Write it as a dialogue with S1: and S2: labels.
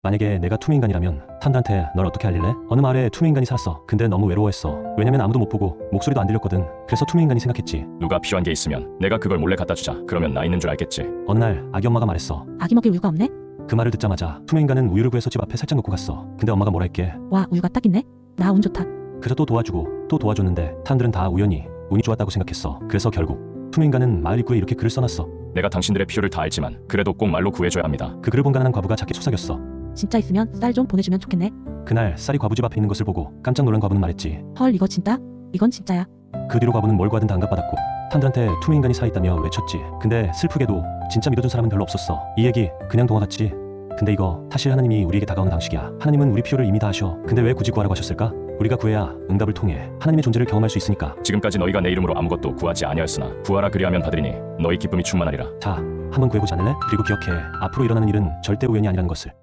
S1: 만약에 내가 투명인간이라면 탄들한테 널 어떻게 알릴래? 어느 마을에 투명인간이 살았어. 근데 너무 외로워했어. 왜냐면 아무도 못 보고 목소리도 안 들렸거든. 그래서 투명인간이 생각했지.
S2: 누가 필요한 게 있으면 내가 그걸 몰래 갖다 주자. 그러면 나 있는 줄 알겠지.
S1: 어느 날 아기 엄마가 말했어.
S3: 아기 먹일 우유가 없네?
S1: 그 말을 듣자마자 투명인간은 우유를 구해서 집 앞에 살짝 놓고 갔어. 근데 엄마가 뭐라 했게.
S3: 와, 우유가 딱 있네? 나 운 좋다.
S1: 그래서 또 도와주고 또 도와줬는데 사람들은 다 우연히 운이 좋았다고 생각했어. 그래서 결국 투명인간은 마을 입구에 이렇게 글을 써놨어.
S2: 내가 당신들의 필요를 다 알지만 그래도 꼭 말로 구해줘야 합니다.
S1: 그 글을 본 가난한 과부가 작게 속삭였어.
S3: 진짜 있으면 쌀 좀 보내주면 좋겠네.
S1: 그날 쌀이 과부 집 앞에 있는 것을 보고 깜짝 놀란 과부는 말했지.
S3: 헐, 이거 진짜? 이건 진짜야.
S1: 그 뒤로 과부는 뭘 구하든 다 응답받았고 사람들한테 투명인간이 살아있다며 외쳤지. 근데 슬프게도 진짜 믿어준 사람은 별로 없었어. 이 얘기 그냥 동화 같지? 근데 이거 사실 하나님이 우리에게 다가오는 방식이야. 하나님은 우리 필요를 이미 다 아셔. 근데 왜 굳이 구하라고 하셨을까? 우리가 구해야 응답을 통해 하나님의 존재를 경험할 수 있으니까.
S2: 지금까지 너희가 내 이름으로 아무것도 구하지 아니하였으나 구하라 그리하면 받으리니 너희 기쁨이 충만하리라.
S1: 자, 한번 구해보지 않을래? 그리고 기억해. 앞으로 일어나는 일은 절대 우연이 아니라는 것을.